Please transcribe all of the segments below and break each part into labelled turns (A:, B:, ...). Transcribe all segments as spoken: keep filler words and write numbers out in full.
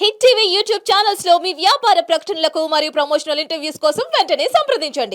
A: Hit TV YouTube channels లో మీ వ్యాపార ప్రకటనలకు మరియు ప్రమోషనల్ ఇంటర్వ్యూస్ కోసం వెంటనే సంప్రదించండి.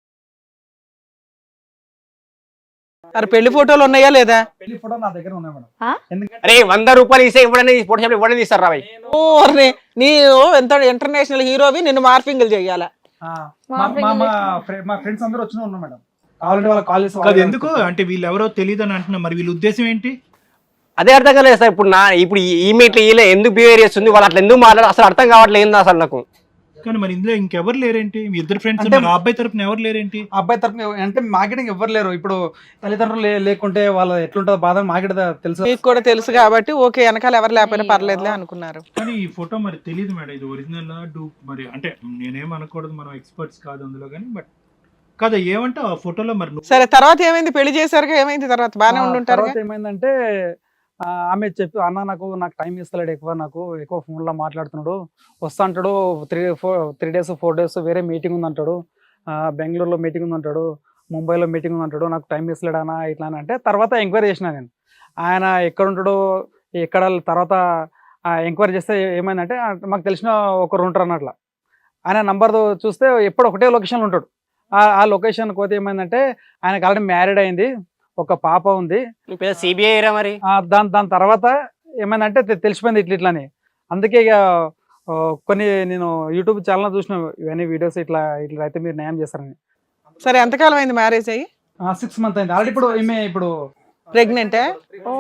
B: అరే పెళ్లి ఫోటోలు ఉన్నాయా లేదా?
C: పెళ్లి ఫోటో నా దగ్గర ఉన్నాయి మేడం. ఎందుకంటే
D: అరే వంద రూపాయలు ఇస్తే ఇవ్వడనే ఫోటో షాప్ ఇవ్వడనే తీస్తారు రాబాయ్.
B: ఓ అరే నీ ఎంత ఇంటర్నేషనల్ హీరోవి నిన్ను మార్ఫింగ్లు చెయ్యాలా?
C: ఆ, మా మా మా ఫ్రె- మా ఫ్రెండ్స్ అందరూ వచ్చిన ఉన్నారు మేడం. కావాలంటే వాళ్ళ కాల్ చేసి
E: కాదు ఎందుకు అంటే వీళ్ళు ఎవరో తెలియదు అని అంటున్నా, మరి వీళ్ళ ఉద్దేశం ఏంటి?
D: అదే అర్థం కాలేదు సార్. ఇప్పుడు నా ఇప్పుడు ఈమె ఇట్లా ఈలే ఎందుకు బిహేవియర్ చేస్తుంది, వాళ్ళు అట్లా ఎందుకు మాట్లాడారు అసలు అర్థం కావట్లేదు ఏంది అసలు నాకు.
E: కానీ మరి ఇందులో ఇంకెవరు లేరేంటి? మీ ఇద్దరు ఫ్రెండ్స్
C: అంటే-
E: ఆ అబ్బాయి తరపున ఎవరు లేరేంటి?
C: ఆ అబ్బాయి తరఫున అంటే మార్కెటింగ్ ఎవ్వరు లేరు. ఇప్పుడు తల్లిదండ్రులు లే- లేకుంటే వాళ్ళ ఎట్లుంటుందో బాధ మార్కెట్ తెలుసు.
B: మీకు కూడా తెలుసు కాబట్టి ఓకే, వెనకాల ఎవరు లేకపోయినా పర్లేదులే అనుకున్నారు.
E: కానీ ఈ ఫోటో మరి తెలియదు మేడం, ఇది ఒరిజినల్ డూ మరి అంటే నేనేం అనకూడదు, మనం ఎక్స్పర్ట్స్ కాదు అందులో, కానీ బట్ కాదు ఏమంటే ఆ ఫోటోలో మరి నువ్వు-
B: సరే తర్వాత ఏమైంది? పెళ్లి చేశారు, ఏమైంది తర్వాత? బాగానే
C: ఆ,
B: ఉండుంటారు.
C: తర్వాత ఏమైందంటే ఆ, ఆమె చెప్పి అన్న నాకు నాకు టైం ఇస్తలేడు, ఎక్కువ నాకు ఎక్కువ ఫోన్లో మాట్లాడుతున్నాడు, వస్తా అంటాడు, three four three days four days వేరే మీటింగ్ ఉంది అంటాడు, ఆ, బెంగళూరులో మీటింగ్ ఉంది అంటాడు, ముంబైలో మీటింగ్ ఉంది అంటాడు, నాకు టైం ఇస్తలేడు అన్న ఇట్లా అని అంటే తర్వాత ఎంక్వైరీ చేసిన నేను ఆయన ఎక్కడ ఉంటాడో ఎక్కడ. తర్వాత ఎంక్వైరీ చేస్తే ఏమైందంటే ఆ, మాకు తెలిసిన ఒకరు ఉంటారు అన్నట్ల. ఆయన నంబర్ చూస్తే ఎప్పుడు ఒకటే లొకేషన్లో ఉంటాడు. ఆ- ఆ లొకేషన్ పోతే ఏమైందంటే ఆయనకు ఆల్రెడీ మ్యారీడ్ అయింది, ఒక పాప ఉంది.
D: సిబిఐ రా మరి.
C: ఆ, దాని దాని తర్వాత ఏమైందంటే తె- తెలిసిపోయింది ఇట్లా ఇట్లా అని. అందుకే ఇక ఆ, కొన్ని నేను యూట్యూబ్ ఛానల్ చూసిన ఇవన్నీ వీడియోస్ ఇట్లా ఇట్లా అయితే మీరు న్యాయం చేస్తారని.
B: సరే ఎంతకాలం అయింది మ్యారేజ్ అయ్యి?
C: సిక్స్ మంత్ అయింది ఆల్రెడీ. ఇప్పుడు ఈమె ఇప్పుడు
B: ప్రెగ్నెంటే? ఓ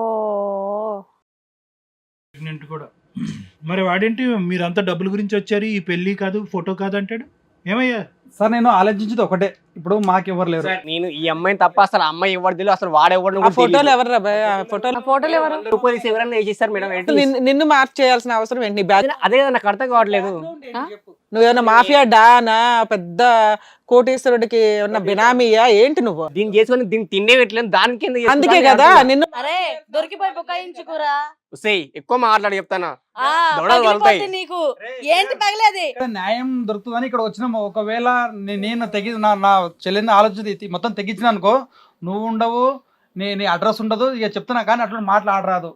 E: ప్రెగ్నెంట్ కూడా. మరి వాడేంటి మీరంతా డబ్బుల గురించి వచ్చారు, ఈ పెళ్లి కాదు ఫోటో కాదు అంటాడు? ఏమయ్యా?
C: సార్ నేను ఆలోచించేది ఒకటే, ఇప్పుడు మాకు ఎవరు లేరు.
D: నేను ఈ అమ్మాయిని తప్ప అసలు ఆ అమ్మాయి ఎవరు తెలియదు, అసలు వాడెవడు
B: ఆ ఫోటోలు ఎవరు రా బాయ్? ఆ ఫోటోలు
F: ఫోటోలు ఎవరు?
D: రూపాయలు ఇస్తే ఎవరైనా చేస్తారు మేడం. ఏంటి?
B: నిన్ను- నిన్ను మార్క్ చేయాల్సిన అవసరం ఏంటి? నీ బ్యాగ్
D: అదే కదా నాకు అర్థం కావట్లేదు.
B: నువ్వేమన్నా మాఫియా డానా, పెద్ద కోటీశ్వరుడికి ఉన్న బినామీయా ఏంటి నువ్వు?
D: దీన్ని చేసుకొని దీన్ని తిండే పెట్టలేదు, దానికి ఎందుకు చేస్తున్నారు
B: అందుకే
D: అని
B: కదా
D: అర్థం
B: నిన్ను
F: అరే దొరికిపోయి బుకాయించుకురా.
D: కాదు. సేయ్, ఎక్కువ మాట్లాడి చెప్తానా
F: ఆ,
D: దొడలు
F: పగిలిపోద్ది
D: వలుతాయి.
F: నీకు ఏంటి పగిలేది?
C: ఇక్కడ న్యాయం దొరుకుతుందని ఇక్కడ వచ్చినాము. ఒకవేళ నే- నేను తెగి నా నా చెల్లిని ఆలోచన మొత్తం తెగించిన అనుకో, నువ్వు ఉండవు, నీ నీ అడ్రస్ ఉండదు, ఇక చెప్తున్నా కానీ అట్లా మాట్లాడరాదు.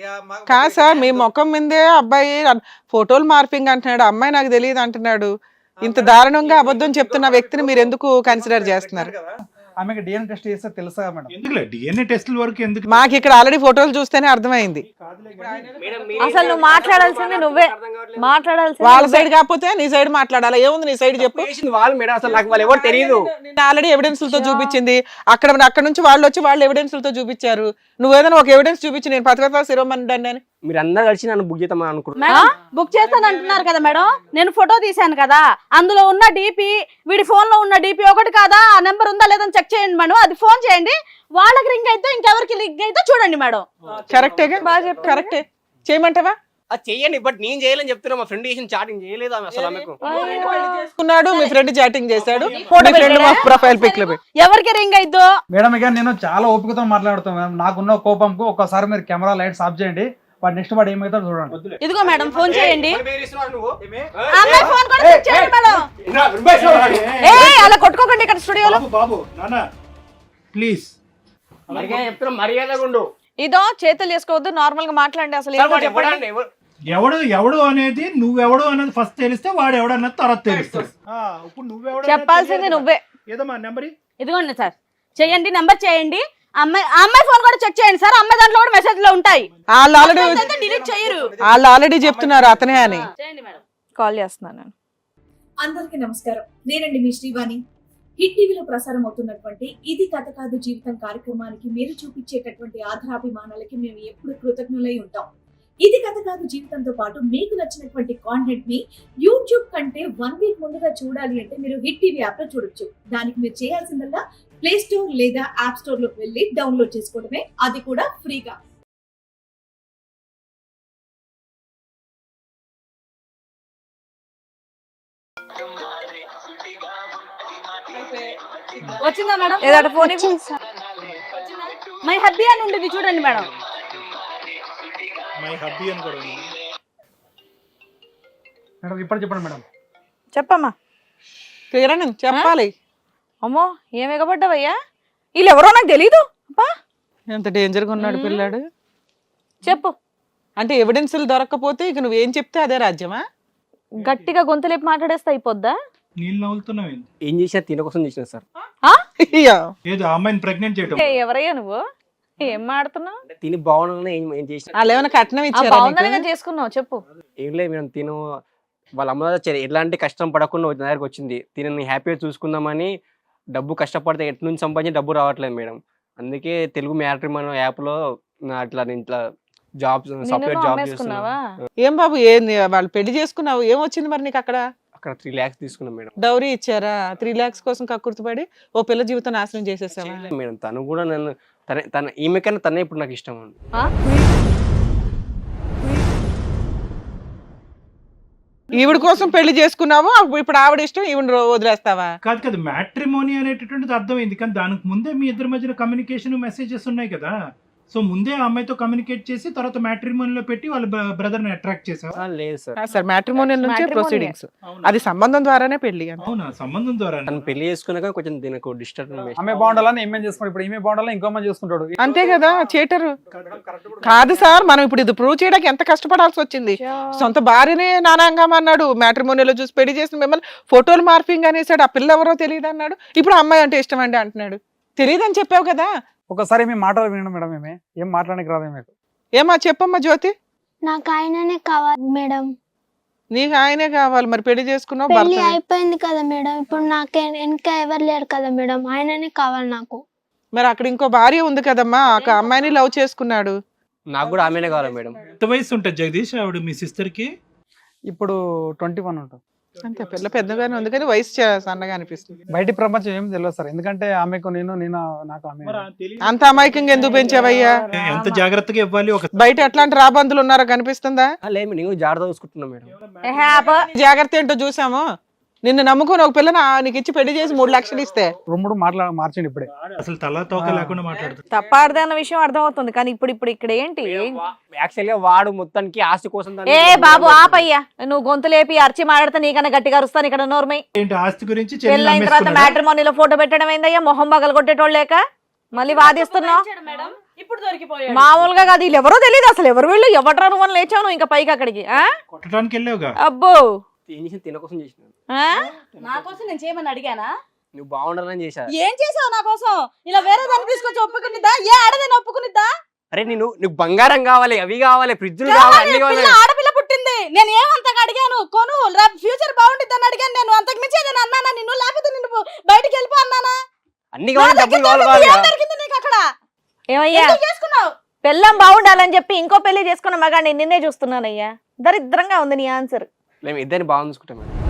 B: కాదు సార్, మీ ముఖం మీదే అబ్బాయి అన్- ఫోటోలు మార్పింగ్ అంటున్నాడు, అమ్మాయి నాకు తెలియదు అంటున్నాడు. ఇంత దారుణంగా అబద్ధం చెప్తున్న వ్యక్తిని మీరు ఎందుకు కన్సిడర్ చేస్తున్నారు?
C: ఆమెకి డిఎన్ఏ టెస్ట్ చేస్తే తెలుసా మేడం?
E: ఎందుకులే డిఎన్ఏ టెస్టుల వరకు ఎందుకు?
B: మాకు ఇక్కడ ఆల్రెడీ ఫోటోలు చూస్తేనే అర్థమైంది.
D: మేడం, మీరే
F: అసలు నువ్వు మాట్లాడాల్సింది నువ్వే మాట్లాడాల్సింది
B: వాళ్ళ సైడ్ కాకపోతే నీ సైడ్ మాట్లాడాలా? ఏముంది నీ సైడ్ చెప్పు.
D: చేసింది వాళ్ళు మేడం, అసలు నాకు వాళ్ళు ఎవరు తెలియదు.
B: నేను ఆల్రెడీ ఎవిడెన్స్లతో చూపించింది. అక్కడ అక్కడ నుంచి వాళ్ళు వచ్చి వాళ్ళు ఎవిడెన్స్లతో చూపించారు. నువ్వు ఏదైనా ఒక ఎవిడెన్స్ చూపించి నేను పథకత శిరోమణి అని
D: మీరు అందరు కలిసి నన్ను బుక్ చేద్దామని అనుకుంటున్నారు.
F: మేడం బుక్ చేస్తాను అంటున్నారు కదా మేడం. నేను ఫోటో తీశాను కదా, అందులో ఉన్న డీపీ వీడి ఫోన్ లో ఉన్న డీపీ ఒకటి కాదా? ఆ నెంబర్ ఉందా లేదని చెక్ చేయండి మేడం. అది ఫోన్ చేయండి, వాళ్ళకి లింక్ అయితే ఇంకెవరికి లింక్ అయితే చూడండి మేడం.
B: కరెక్టేగా? బాగా చెప్పు. కరెక్టే, చేయమంటావా?
D: అది చెయ్యండి, బట్ నేను చేయలేని చెప్తున్నా. మా ఫ్రెండ్ చేసిన చాటింగ్ చేయలేదు ఆమె అసలు ఆమెకు.
B: చేసుకున్నాడు, మీ ఫ్రెండ్ చాటింగ్ చేశాడు, మీ ఫ్రెండ్ ప్రొఫైల్ పిక్ లో పెట్టి.
F: ఎవరికి రింగ్ అయిద్దో
C: మేడం ఇక నేను చాలా ఓపికతో మాట్లాడుతాను మేడం. నాకున్న కోపంకు ఒక్కసారి మీరు కెమెరా లైట్స్ ఆఫ్ చేయండి, వాడు నెక్స్ట్ వాడు ఏమవుతాడో చూడండి.
F: ఇదిగో మేడం ఫోన్ చేయండి.
D: మరి మీరు ఇస్తున్నావు నువ్వు?
F: ఆ అమ్మాయి ఫోన్ కూడా చెక్ చేయండి మేడం.
D: నా రుబాయ్ ఇస్తున్నావు.
F: ఏ అలా కొట్టుకోకండి ఇక్కడ స్టూడియోలో.
E: బాబు బాబు నాన్న ప్లీజ్.
D: మర్యాద చెప్తున్నా, మర్యాదగా ఉండు.
F: ఇదో చేతులు చేసుకోవద్దు, నార్మల్ గా మాట్లాడండి. అసలు
D: సార్,
F: ఏంటో
D: వాడు
F: చెప్పండి.
D: ఎవడండి? ఎవరు?
E: ఎవడు ఎవడు అనేది నువ్వెవడు అనేది ఫస్ట్ తెలిస్తే వాడు ఎవడన్నది తర్వాత తెలుస్తుంది. ఆ, ఇప్పుడు నువ్వెవడు అనేది
F: చెప్పాల్సింది
E: తెలియదు
F: నువ్వే.
E: కదా. ఏదమ్మా నెంబర్
F: ఇదిగోండి సార్, చెయ్యండి, నెంబర్ చేయండి. అమ్మాయి ఆ అమ్మాయి ఫోన్ కూడా చెక్ చేయండి సార్. అమ్మాయి దాంట్లో కూడా మెసేజ్ లో ఉంటాయి.
B: వాళ్ళు ఆల్రెడీ
F: డిలీట్ చేయరు.
B: వాళ్ళు ఆల్రెడీ చెప్తున్నారు అతనే అని.
F: చేయండి మేడం.
B: కాల్ చేస్తున్నాను.
G: అందరికీ నమస్కారం. నేనండి మీ శ్రీవాణి. హిట్ టీవీలో ప్రసారం అవుతున్నటువంటి ఇది కథ కాదు జీవితం కార్యక్రమానికి మీరు చూపించేటటువంటి ఆధారాభిమానాలకి మేము ఎప్పుడు కృతజ్ఞులై ఉంటాం. ఇది కథ కాదు జీవితంతో పాటు మీకు నచ్చినటువంటి కాంటెంట్ ని యూట్యూబ్ కంటే వన్ వీక్ ముందుగా చూడాలి అంటే మీరు హిట్ టీవీ యాప్ లో చూడొచ్చు. దానికి మీరు చేయాల్సిందల్లా ప్లే స్టోర్ లేదా యాప్ స్టోర్ లోకి వెళ్ళి డౌన్లోడ్ చేసుకోవడమే, అది కూడా ఫ్రీగా.
F: వచ్చిందా మేడం?
B: ఏదట ఫోన్
F: మై హబ్బీ అని ఉండేది చూడండి మేడం.
E: మై హబ్బీ అని కూడా ఉంది.
C: మేడం ఇప్పుడు చెప్పండి మేడం.
B: చెప్పమ్మా, కిరణ్ చెప్పాలి.
F: అమ్మో ఏం ఎగబడ్డావయ్యా? వీళ్ళు ఎవరో నాకు తెలీదు. అబ్బా
B: ఎంత డేంజర్ గా ఉన్నాడు పిల్లాడు.
F: చెప్పు.
B: అంటే ఎవిడెన్స్లు దొరకకపోతే ఇక నువ్వేం చెప్తే అదే రాజ్యమా?
F: గట్టిగా గొంతులేపి మాట్లాడేస్తే అయిపోద్దా?
E: నీళ్ళు నవ్వులుతున్నావు ఏంది?
D: ఏం చేసినా తిన కోసం చేసిన సార్.
B: అయ్యో.
E: ఏదో ఆ అమ్మాయిని ప్రెగ్నెంట్ చేయటం.
F: ఏ, ఎవరయ్యా నువ్వు? ఏం మాడుతున్నావు?
D: అంటే తిని బాగుండాలని ఏం ఏం చేసిన
B: వాళ్ళు ఏమైనా కట్నం ఇచ్చారా
F: బాగుందని
B: నీకు?
F: చేసుకున్నావు చెప్పు.
D: ఏం లేదు మేడం. తిను వాళ్ళ అమ్మ దగ్గర చే- ఎలాంటి కష్టం పడకుండా నా దగ్గరకు వచ్చింది. తినని హ్యాపీగా చూసుకుందామని డబ్బు కష్టపడితే ఎటు నుంచి సంపాదించి డబ్బు రావట్లేదు మేడం. అందుకే తెలుగు మ్యాట్రిమోనీ యాప్లో అట్లా నేను ఇట్లా జాబ్ సాఫ్ట్వేర్
F: నిన్ను
D: జాబ్
F: అమ్మేసుకున్నావా?
D: చేస్తున్నా.
B: ఏం బాబు ఏంది వాళ్ళు పెళ్లి చేసుకున్నావు, ఏం వచ్చింది మరి నీకు అక్కడ?
D: అక్కడ త్రీ ల్యాక్స్ తీసుకున్నాం మేడం.
B: డౌరీ ఇచ్చారా? త్రీ లాక్స్ కోసం కక్కుర్తిపడి ఓ పిల్ల జీవితం నాశనం చేసేసావా?
D: చేయలేదు మేడం. తను కూడా నన్ను తన తన ఈమె కన్నా తనే ఇప్పుడు నాకు ఇష్టం అండి.
F: ఆ?
B: ఈవిడ కోసం పెళ్లి చేసుకున్నావు, అప్పుడు ఇప్పుడు ఆవిడ ఇష్టం ఈవిడ వదిలేస్తావా?
E: కాదు కదా, మ్యాట్రిమోనీ అనేటటువంటిది అర్థమైంది, కానీ దానికి ముందే మీ ఇద్దరి మధ్యన కమ్యూనికేషన్ మెసేజెస్ ఉన్నాయి కదా. సో ముందే ఆ అమ్మాయితో కమ్యూనికేట్ చేసి తర్వాత మ్యాట్రిమోనీలో పెట్టి వాళ్ళ బ్రదర్ ని అట్రాక్ట్ చేసావా?
D: ఆ, లేదు సార్.
B: సార్ మ్యాట్రిమోనియల్ నుంచే
F: Matrimonial.
B: ప్రొసీడింగ్స్,
E: అవునా?
B: అది సంబంధం ద్వారానే పెళ్లి అని.
E: అవునా, సంబంధం ద్వారా.
D: తను పెళ్లి చేసుకున్నాక కొంచెం దీనికి డిస్టర్బ్.
C: ఆమె బాగుండాలని ఈమె చేసుకుంటాడు, ఇప్పుడు ఈమె బాగుండాలని ఇంకో మంది చేసుకుంటాడు.
B: అంతే కదా, చేటరు కాదు సార్. మనం ఇప్పుడు ఇది ప్రూవ్ చేయడానికి ఎంత కష్టపడాల్సి వచ్చింది. సొంత భార్యనే నానాంగం అన్నాడు, మ్యాట్రిమోనియల్ చూసి పెళ్లి చేసిన మిమ్మల్ని ఫోటోలు మార్పింగ్ అనేసాడు, ఆ పిల్ల ఎవరో తెలియదు అన్నాడు, ఇప్పుడు అమ్మాయి అంటే ఇష్టం అండి అంటున్నాడు. తెలియదని చెప్పావు కదా.
C: ఒకసారి మేము మాటలు వినడం మేడం, ఏమే ఏం మాట్లాడడానికి రాదు మీకు.
B: ఏమా చెప్పమ్మా జ్యోతి.
H: నాకు ఆయననే కావాలి మేడం.
B: నీకు ఆయనే కావాలి, మరి పెళ్లి చేసుకున్నావు,
H: పెళ్లి
B: భర్త
H: అయిపోయింది కదా మేడం, ఇప్పుడు నాకు ఇంకా ఎవరు లేరు కదా మేడం, ఆయననే కావాలి నాకు.
B: మరి అక్కడ ఇంకో భార్య ఉంది కదమ్మా, ఆ అమ్మాయిని లవ్ చేసుకున్నాడు.
D: నాకు కూడా ఆమెనే కావాలి మేడం.
E: ఎంత వయసు ఉంటుంది జగదీష్ ఆవిడ మీ సిస్టర్ కి?
C: ఇప్పుడు ట్వంటీ వన్ ఉంటుంది.
B: అంతే, పిల్ల పెద్దగానే ఉంది కానీ వయసు చా- సన్నగా అనిపిస్తుంది.
C: బయటి ప్రపంచం ఏం తెలియదు సార్, ఎందుకంటే ఆమెకు నేను నేను నాకు ఆమె.
B: అంత అమాయకంగా ఎందుకు పెంచావయ్యా?
E: ఎంత జాగ్రత్తగా ఇవ్వాలి ఒక
B: బయట ఎట్లాంటి రాబందులు ఉన్నారో కనిపిస్తుందా?
D: ఆ, లేదు నేను జాగ్రత్త చూసుకుంటున్నా మేడం.
F: ఏహే, ఆపు.
B: జాగ్రత్త ఏంటో చూసాము. నిన్ను నమ్ముకొని ఒక పిల్లని ఆ- నీకు ఇచ్చి పెళ్లి చేసి మూడు లక్షలు ఇస్తే
C: రొమ్ముడు మాట్లా మార్చండి ఇప్పుడే.
E: అసలు తల తోక లేకుండా మాట్లాడుతుంది.
F: తప్పాడదే అన్న విషయం అర్థమవుతుంది, కానీ ఇప్పుడు ఇప్పుడు ఇక్కడ ఏంటి?
D: యాక్చువల్ గా వాడు మొత్తానికి ఆస్తి కోసం దాన్ని-
F: ఏ బాబు ఆపయ్యా, నువ్వు గొంతు లేపి అరిచి మాట్లాడితే నీకన్నా గట్టిగా అరుస్తాను ఇక్కడ నోర్మై.
E: ఏంటి ఆస్తి గురించి చెల్లి
F: పెళ్ళైన తర్వాత
E: నమ్మేసుకున్నాడా?
F: మ్యాట్రిమోనీలో ఫోటో పెట్టడం ఏందయ్యా, మొహం పగలు కొట్టేటోళ్ళు లేక మళ్ళీ వాదిస్తున్నావు. మామూలుగా
G: ఇప్పుడు దొరికిపోయాడు.
F: మామూలుగా కాదు, వీళ్ళు ఎవరో తెలియదు అసలు, ఎవరు వీళ్ళు, ఎవట్రా నువ్వు అని లేచావు నువ్వు ఇంకా పైకి అక్కడికి. ఆ
E: కొట్టడానికి వెళ్ళావుగా.
F: అబ్బో,
D: ఏం చేసిన తిన కోసం చేసిన.
F: ఆ?
G: నా కోసం నేను చేయమని అడిగానా?
D: నువ్వు బాగుండాలని చేశా.
G: ఏం చేసావు నా కోసం? ఇలా వేరే దాన్ని తీసుకొచ్చి ఒప్పుకునిద్దా? ఏ ఆడదని ఒప్పుకునిద్దా?
D: అరే నేను నీకు బంగారం కావాలి, అవి కావాలి, ఫ్రిడ్జ్లు కావాలి, అన్ని కావాలి.
G: పిల్ల ఆడపిల్ల పుట్టింది, నేను ఏమంతగా అడిగాను? కొను, ఫ్యూచర్ బాగుంటుంది అడిగాను నేను. అంతకు మించి ఏదైనా అన్నానా నిన్ను? లేకపోతే నిన్ను బయటికి వెళ్ళిపో అన్నానా?
D: అన్ని కావాలి, డబ్బులు కావాలి
G: ఏం
D: కావాలి.
G: దొరికింది నీకు అక్కడ?
F: ఏమయ్యా,
G: ఎందుకు చేసుకున్నావు?
F: పెళ్ళం బాగుండాలని చెప్పి ఇంకో పెళ్లి చేసుకున్న మగాడిని నిన్నే చూస్తున్నానయ్యా. దరిద్రంగా ఉంది నీ ఆన్సర్.
D: మేము ఇద్దరిని బాగా చూసుకుంటాం మేడం.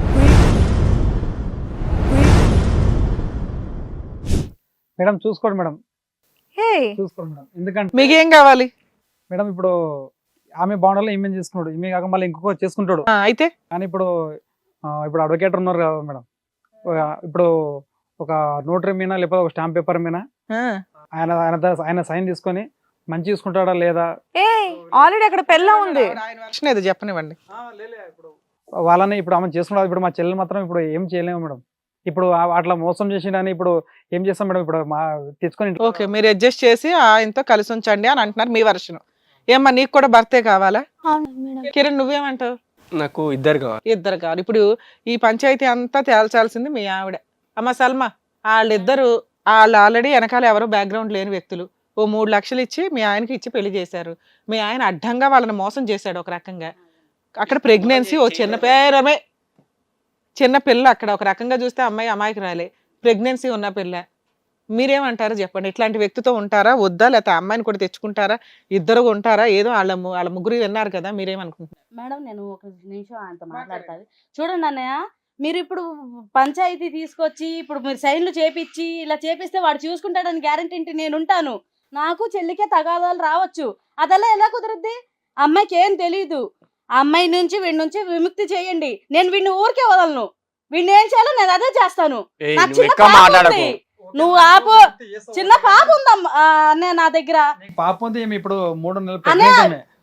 C: మేడం చూసుకోండి మేడం,
F: హే,
C: చూసుకోండి మేడం. ఎందుకంటే
B: మీకేం కావాలి?
C: మేడం ఇప్పుడు ఆమె బాగుండాలని ఈమె చేసుకున్నాడు, ఈమె కాక మళ్ళీ ఇంకొక చేసుకుంటాడు.
B: ఆ, అయితే
C: కానీ ఇప్పుడు ఆ, ఇప్పుడు అడ్వకేట్ ఉన్నారు కదా మేడం, ఒక- ఇప్పుడు ఒక నోటరీ మీద లేకపోతే ఒక స్టాంప్ పేపర్ మీద
B: ఆ,
C: ఆయన ఆయన ద- ఆయన సైన్ తీసుకొని మంచి చూసుకుంటాడా లేదా
F: ఏ ఆల్రెడీ అక్కడ పెళ్ళం ఉంది.
B: ఆయన version ఏదో చెప్పనివ్వండి.
C: వాళ్ళని ఇప్పుడు ఆమె చేసుకున్నారు. ఇప్పుడు మా చెల్లెలు మాత్రం ఇప్పుడు ఏం చేయలేము మేడం. ఇప్పుడు ఆ- అట్లా మోసం చేసిండని ఇప్పుడు ఏం చేస్తాం మేడం? ఇప్పుడు మా తెచ్చుకొని ఇంట్లో-
B: ఓకే, మీరు అడ్జస్ట్ చేసి ఆయనతో కలిసి ఉంచండి అని అంటున్నారు మీ వర్షన్. ఏమ్మా నీకు కూడా భర్తే కావాలా?
H: అవును మేడం.
B: కిరణ్ నువ్వేమంటావు?
D: నాకు ఇద్దరు కావాలి.
B: ఇద్దరు కావాలి. ఇప్పుడు ఈ పంచాయతీ అంతా తేల్చాల్సింది మీ ఆవిడ. అమ్మ సల్మా, వాళ్ళిద్దరు వాళ్ళు ఆల్రెడీ వెనకాల ఎవరో బ్యాక్గ్రౌండ్ లేని వ్యక్తులు ఓ మూడు లక్షలు ఇచ్చి మీ ఆయనకి ఇచ్చి పెళ్లి చేశారు. మీ ఆయన అడ్డంగా వాళ్ళని మోసం చేశాడు ఒక రకంగా. అక్కడ ప్రెగ్నెన్సీ ఓ చిన్న పేరమే చిన్న పిల్ల, అక్కడ ఒక రకంగా చూస్తే అమ్మాయి అమ్మాయికి రాలే, ప్రెగ్నెన్సీ ఉన్న పిల్ల. మీరేమంటారు చెప్పండి? ఇట్లాంటి వ్యక్తితో ఉంటారా వద్దా, లేకపోతే అమ్మాయిని కూడా తెచ్చుకుంటారా? ఇద్దరు ఉంటారా? ఏదో వాళ్ళ ము- వాళ్ళ ముగ్గురు విన్నారు కదా, మీరేమనుకుంటున్నారు?
F: మేడం నేను ఒక నిమిషం ఆయనతో మాట్లాడతాను. చూడండి అన్నయ్య, మీరు ఇప్పుడు పంచాయతీ తీసుకొచ్చి ఇప్పుడు మీరు సైన్లు చేపిచ్చి ఇలా చేపిస్తే వాడు చూసుకుంటాడని గ్యారంటీ ఏంటి? నేను ఉంటాను, నాకు చెల్లికే తగాదాలు రావచ్చు, అదెలా ఎలా కుదురుద్ది? అమ్మాయికి ఏం తెలీదు. ఆ అమ్మాయి నుంచి వీడి నుంచి విముక్తి చేయండి. నేను వీడిని ఊరికే వదలను, వీడిని ఏం చేయాలో నేను అదే చేస్తాను.
D: ఏయ్,
F: నాకు
D: నువ్వు
F: చిన్న
D: ఎక్కువ
F: పాప
D: మాట్లాడకు.
F: ఉంది. నువ్వు ఆపు, చిన్న పాప ఉందమ్మా అన్నయ్య నా దగ్గర.
C: పాప ఉంది, ఈమె ఇప్పుడు మూడు నెలలు
F: అన్నయ్య,
C: pregnant ఆమె.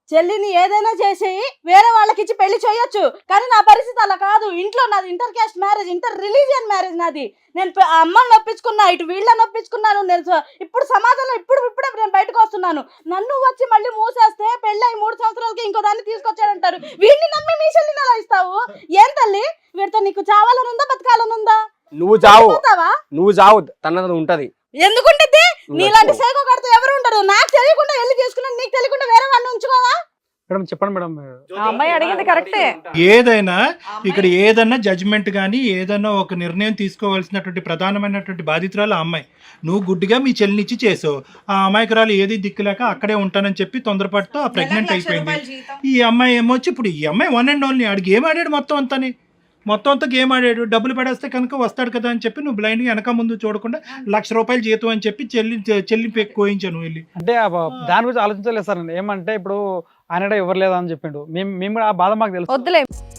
F: చెల్లిని ఏదైనా చేసి వేరే వాళ్ళకి ఇచ్చి పెళ్లి చేయొచ్చు, కానీ నా పరిస్థితి అలా కాదు. ఇంట్లో నాది inter caste marriage, inter religion marriage నాది. నేను పె- ఆ అమ్మని నొప్పించుకున్నా, ఇటు వీళ్ళని నొప్పించుకున్నాను. నేను స- ఇప్పుడు సమాజంలో ఇప్పుడు ఇప్పుడే నేను బయటకు వస్తున్నాను. నన్ను వచ్చి మళ్ళీ మూసేస్తే పెళ్ళి అయి మూడు సంవత్సరాలకి ఇంకో దాన్ని తీసుకొచ్చాడంటారు. వీడిని నమ్మి మీ చెల్లిని అలా ఇస్తావు? ఏం తల్లి, వీడితో నీకు చావాలని ఉందా బతకాలని ఉందా?
D: నువ్వు చావు
F: పోతావా?
D: నువ్వు చావు తనది ఉంటది.
F: ఎందుకుంటుంది?
D: నువ్వు
F: నీలాంటి
D: చచ్చిపో.
F: సైకో కడితే ఎవరు ఉంటారు? నాకు తెలియకుండా వెళ్ళి చేసుకున్నా, నీకు తెలియకుండా వేరే వాడిని ఉంచుకోవా?
C: మేడం చెప్పండి మేడం.
I: ఆ అమ్మాయి అడిగింది కరెక్టే.
E: ఏదైనా ఇక్కడ ఏదన్నా జడ్జిమెంట్ కానీ ఏదన్నా ఒక నిర్ణయం తీసుకోవాల్సినటువంటి ప్రధానమైనటువంటి బాధితురాలు ఆ అమ్మాయి. నువ్వు గుడ్డిగా మీ చెల్లినిచ్చి చేసావు. ఆ అమాయకురాలు ఏది దిక్కులేక అక్కడే ఉంటానని చెప్పి తొందరపాటుతో ఆ ప్రెగ్నెంట్ అయిపోయింది. ఈ అమ్మాయి ఏమొచ్చి ఇప్పుడు ఈ అమ్మాయి వన్ అండ్ ఓన్లీ ఆడికి గేమ్ ఆడాడు మొత్తం అంతాని మొత్తం అంతా గేమ్ ఆడాడు. డబ్బులు పడేస్తే కనుక వస్తాడు కదా అని చెప్పి నువ్వు బ్లైండ్గా వెనక ముందు చూడకుండా లక్ష రూపాయలు జీతం అని చెప్పి చెల్లి చెల్లి కోయించాను నువ్వు వెళ్ళి.
C: అంటే ఆ బ- దాని గురించి ఆలోచించలేదు సార్ నేను. ఏమంటే ఇప్పుడు ఆయన ఎవరు లేదా అని చెప్పిండు. మేము మేము కూడా ఆ బాధ మాకు తెలుసు.
I: వద్దులే.